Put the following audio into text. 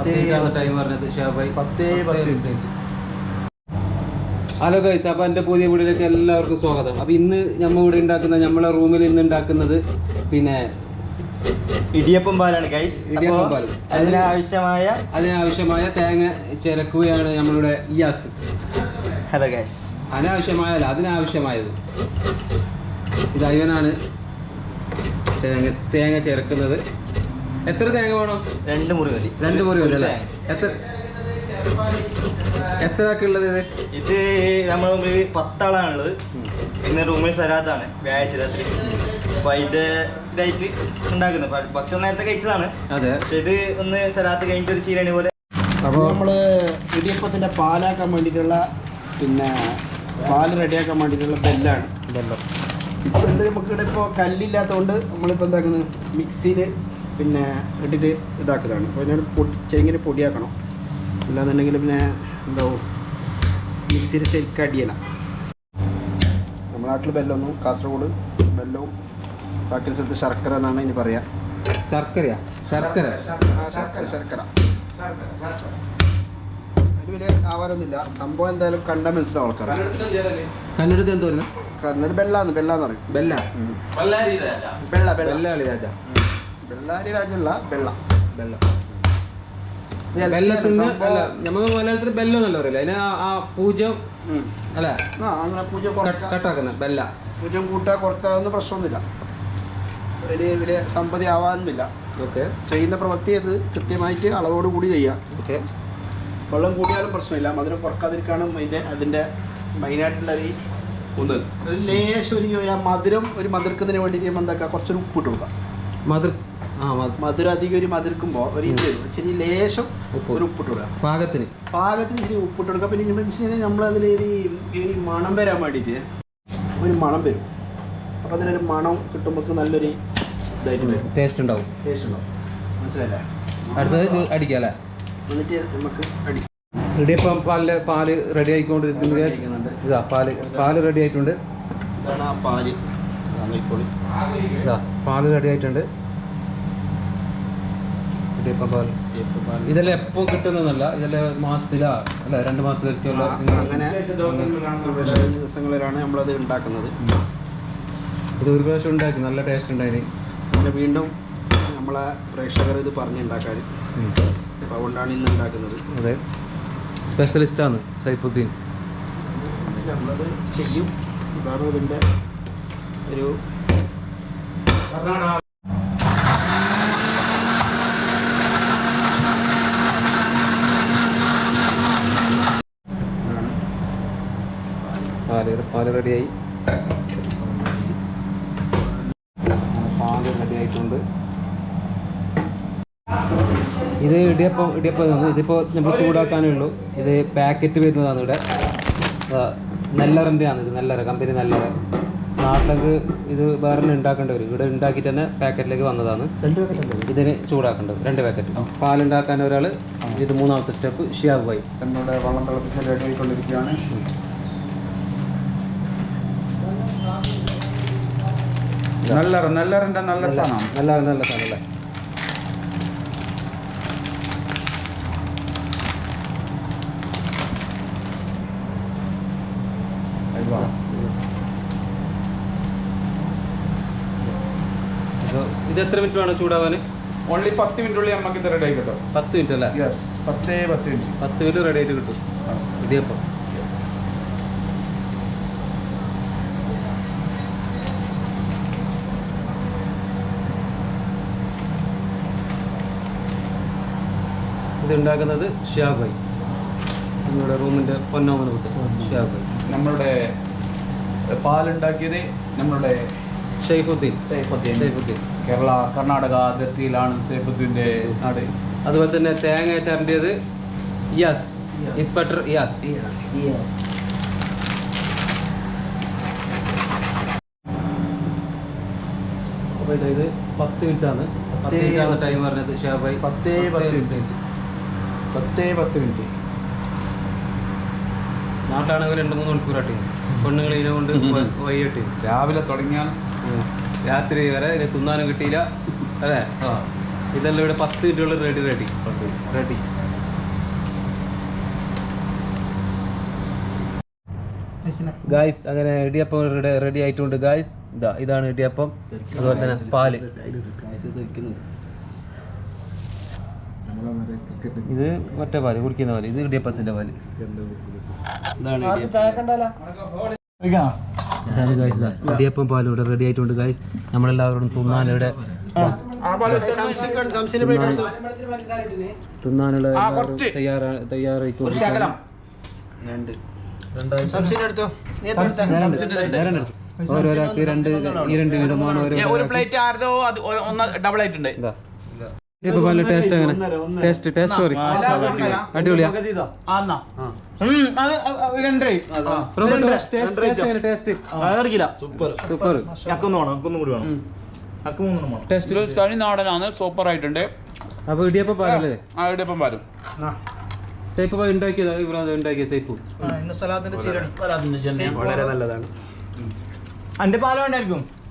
Time പറഞ്ഞത് ഷാബായി 10:10. Hello guys, അപ്പോൾ എൻ്റെ പുതിയ വീട്ടിലേക്ക് എല്ലാവർക്കും സ്വാഗതം. അപ്പോൾ ഇന്ന് നമ്മൾ ഇവിടെ ഉണ്ടാക്കുന്ന നമ്മളെ റൂമിൽ ഇന്ന് ഉണ്ടാക്കുന്നത് പിന്നെ ഇടിയപ്പം പാലാണ് ഗൈസ്. ഇടിയപ്പം പാൽ. അതിനാവശ്യമായ തേങ്ങ ചിരക്കുകയാണ് നമ്മളുടെ ഇയാസ്. Hello guys. അതിനാവശ്യമായത് ഇത് അയ്യനാണ് തേങ്ങ ചേർക്കുന്നത്. എത്ര തേങ്ങ വേണം? 2 മുറി മതി. 2 മുറി മതി അല്ലേ? എത്ര ആക്കുള്ളത്? ഇത് നമ്മുടെ മുമ്പിൽ 10 ആളാണുള്ളത്. ഇന്ന് റൂമിൽ സരാത്താണ്, വ്യാഴാഴ്ച രാത്രി. അപ്പൊ അതിന്റെ ഇതായിട്ട് ഉണ്ടാക്കുന്നത് ഭക്ഷണം നേരത്തെ കഴിച്ചതാണ്. അതെ, പക്ഷെ ഇത് ഒന്ന് സരാത്ത് കഴിഞ്ഞിട്ട് ഒരു ചീരണി പോലെ. അപ്പോൾ നമ്മള് ഇടിയപ്പത്തിന്റെ പാലാക്കാൻ വേണ്ടിയിട്ടുള്ള പിന്നെ പാല് റെഡിയാക്കാൻ വേണ്ടിയിട്ടുള്ള ബെല്ലാണ്. ബെല്ല് നമുക്കിവിടെ ഇപ്പോൾ കല്ലില്ലാത്തതുകൊണ്ട് നമ്മളിപ്പോൾ എന്താക്കുന്നത്, മിക്സിയിൽ പിന്നെ ഇട്ടിട്ട് ഇതാക്കുന്നതാണ്. അപ്പോൾ ഇതിനോട് ചെങ്ങനെ പൊടിയാക്കണം, അല്ലാന്നുണ്ടെങ്കിൽ പിന്നെ എന്താവും മിക്സിയിൽ ശരിക്കും അടിയല. നമ്മുടെ നാട്ടിൽ ബെല്ലൊന്നും, കാസർഗോഡ് ബെല്ലവും ബാക്കി സ്ഥലത്ത് ശർക്കര എന്നാണ് ഇനി പറയാം. ശർക്കര അതിന് വലിയ ആവാരൊന്നുമില്ല. സംഭവം എന്തായാലും കണ്ടാൽ മനസ്സിലാവും ആൾക്കാർ. കണ്ണെടുത്ത് എന്തോ കണ്ണൂർ ബെല്ലാന്ന് പറയും. ബെല്ലാരി രാജല്ല ബെല്ലത്തിന് അല്ല, നമ്മൾ മലയാളത്തിൽ ബെല്ലോ എന്നല്ല പറയില്ല, അതിന് ആ പൂജ്യം അല്ല, അങ്ങനെ പൂജ കട്ടാക്കുന്ന ബെല്ല. പൂജ്യം കൂട്ടാ കുറക്കാവുന്ന പ്രശ്നമൊന്നുമില്ല, വലിയ സമ്പതി ആവാനൊന്നുമില്ല. ഓക്കെ, ചെയ്യുന്ന പ്രവൃത്തി അത് കൃത്യമായിട്ട് അളവോട് കൂടി ചെയ്യാം. ഓക്കെ, വെള്ളം കൂടിയാലും പ്രശ്നമില്ല, മധുരം കുറക്കാതിരിക്കാനും അതിൻ്റെ മെയിനായിട്ടുള്ള ഒരു ലേശം ഒരു മധുരം മധുരക്കുന്നതിന് വേണ്ടിയിട്ട് എന്താക്കുക, കുറച്ചൊരു ഉപ്പിട്ട് കൊടുക്കാം. മധുരം അധികം ഒരു മധുരക്കുമ്പോൾ ഒരു ഇച്ചിരി ലേശം ഒരു ഉപ്പിട്ട് കൊടുക്കുക, പാകത്തിന് ഇച്ചിരി ഉപ്പിട്ട് കൊടുക്കുക. പിന്നെ എന്താ വെച്ച് കഴിഞ്ഞാൽ നമ്മളതിൽ ഈ മണം വരാൻ വേണ്ടിയിട്ട് ഒരു മണം വരും. അപ്പോൾ അതിനൊരു മണം കിട്ടുമ്പോൾ നല്ലൊരു ഇതായിട്ട് വരും, ടേസ്റ്റ് ഉണ്ടാവും. മനസ്സിലായില്ലേ? അടുത്തത് അടിക്കാം അല്ലേ? എന്നിട്ട് നമുക്ക് അടിക്കാം. ഇടിയപ്പം പാല് റെഡി ആയിക്കൊണ്ടിരിക്കുന്നത്. ഇതാ പാല് റെഡി ആയിട്ടുണ്ട്. ഇതാണ് ആ പാല്. ഇതാ പാല് റെഡി ആയിട്ടുണ്ട്. ഇടിയപ്പം പാൽ ഇതെല്ലാം എപ്പോൾ കിട്ടുന്നതല്ല, ഇതെല്ലാം മാസത്തിലാ അല്ല 2 മാസത്തിലൊക്കെയുള്ള അങ്ങനെ ദിവസങ്ങളിലാണ് നമ്മളത് ഉണ്ടാക്കുന്നത്. ഇത് ഒരു പ്രാവശ്യം ഉണ്ടാക്കി, നല്ല ടേസ്റ്റ് ഉണ്ടായിരുന്നു. പിന്നെ വീണ്ടും നമ്മളെ പ്രേക്ഷകർ ഇത് പറഞ്ഞുണ്ടാക്കാൻ, അപ്പോൾ അതുകൊണ്ടാണ് ഇന്ന് ഉണ്ടാക്കുന്നത്. അതെ, സ്പെഷ്യലിസ്റ്റാണ് സൈഫുദ്ദീൻ. നമ്മളത് ചെയ്യും. ഇതാണ് ഇതിൻ്റെ ഒരു പാല് റെഡിയായി. പാല് റെഡി ആയിട്ടുണ്ട്. ഇത് ഇടിയപ്പം ഇതിപ്പോൾ നമ്മൾ ചൂടാക്കാനേ ഉള്ളൂ. ഇത് പാക്കറ്റ് വരുന്നതാണ്. ഇവിടെ നെല്ലറിൻ്റെ ആണ്. ഇത് കമ്പനി നെല്ലറ. നാട്ടിലേക്ക് ഇത് വേറെ ഉണ്ടാക്കേണ്ടി വരും. ഇവിടെ ഉണ്ടാക്കിയിട്ട് തന്നെ പാക്കറ്റിലേക്ക് വന്നതാണ്. 2 പാക്കറ്റ് ഇതിന് ചൂടാക്കേണ്ടത് 2 പാക്കറ്റ്. പാലുണ്ടാക്കാൻ ഒരാൾ. ഇത് 3ാമത്തെ സ്റ്റെപ്പ് ഷിയാബ് ഭായി. നമ്മുടെ വെള്ളം തിളപ്പിച്ച് റെഡി ആയിക്കൊണ്ടിരിക്കുകയാണ്. നെല്ലറിൻ്റെ നല്ല സാധനം. നല്ല സാധനം അല്ലേ? ഇത് എത്ര മിനിറ്റ് വേണം ചൂടാവാൻ? ഓൺലി 10 മിനിറ്റുള്ളിൽ നമുക്ക് ഇത് റെഡി ആയി കിട്ടും. 10 മിനിറ്റ് അല്ലേ? 10 മിനിറ്റ് 10 മിനിറ്റ് റെഡി ആയിട്ട് കിട്ടും ഇടിയപ്പം. ഇത് ഉണ്ടാക്കുന്നത് ഷിയാബ് ഭായി, നമ്മുടെ റൂമിൻ്റെ പൊന്നോമന പുത്രൻ ഷിയാബ് ഭായി. നമ്മളുടെ പാലുണ്ടാക്കിയത് നമ്മളുടെ സൈഫുദ്ദീൻ. കർണാടക അതിർത്തിയിലാണ് സൈഫുദ്ദീൻ്റെ നാട്. അതുപോലെ തന്നെ തേങ്ങ ചരണ്ടിയത് ഇയാസ്, ഇൻസ്പെക്ടർ ഇയാസ്. അപ്പോൾ ഇത് 10 മിനിറ്റാണ്. 10 മിനിറ്റാണ് ടൈം പറഞ്ഞത് ഷിയാബ് ഭായി. 10 മിനിറ്റ്. നാട്ടിലാണെങ്കിൽ 2-3 മണിക്കൂറാട്ടി പെണ്ണുങ്ങൾ ഇതിനെ കൊണ്ട് വൈകിട്ട് രാവിലെ തുടങ്ങിയാൽ രാത്രി വരെ ഇത് തിന്നാനും കിട്ടിയില്ല അല്ലേ? ഇതെല്ലാം ഇവിടെ 10 മിനിറ്റുള്ള റെഡി. റെഡി. ഗായ്സ് അങ്ങനെ ഇടിയപ്പം റെഡി ആയിട്ടുണ്ട് ഗായ്സ്. ഇതാണ് ഇടിയപ്പം. അതുപോലെ തന്നെ പാല്. ഇത് മറ്റേ പാല് കുടിക്കുന്ന പാല്. ഇത് ഇടിയപ്പത്തിന്റെ പാല്. ഇതാണ് ഗായ്സ്. ഇടിയപ്പം പാലും ഇവിടെ റെഡി ആയിട്ടുണ്ട് ഗായ്സ്. നമ്മളെല്ലാവരോടും തിന്നാനിവിടെ തിന്നാനുള്ള തയ്യാറായിക്കൊണ്ട് ഓരോരാൾക്ക് രണ്ട് വിധമാണ്. ഒരു പ്ലേറ്റ് ആരോ അത് ഒന്ന് ഡബിൾ ആയിട്ടുണ്ട്. നല്ല ടേസ്റ്റ് അങ്ങനെ ടേസ്റ്റ് അടിപൊളിയാ. തനി നാടനാണ്, സൂപ്പർ ആയിട്ടുണ്ട്. അപ്പൊ ഇടിയപ്പം പാലല്ലേ? ഇടിയപ്പം പാലും സേപ്പ് ഉണ്ടാക്കിയ സേപ്പ് വളരെ നല്ലതാണ്. എന്റെ പാലം ഉണ്ടായിരിക്കും.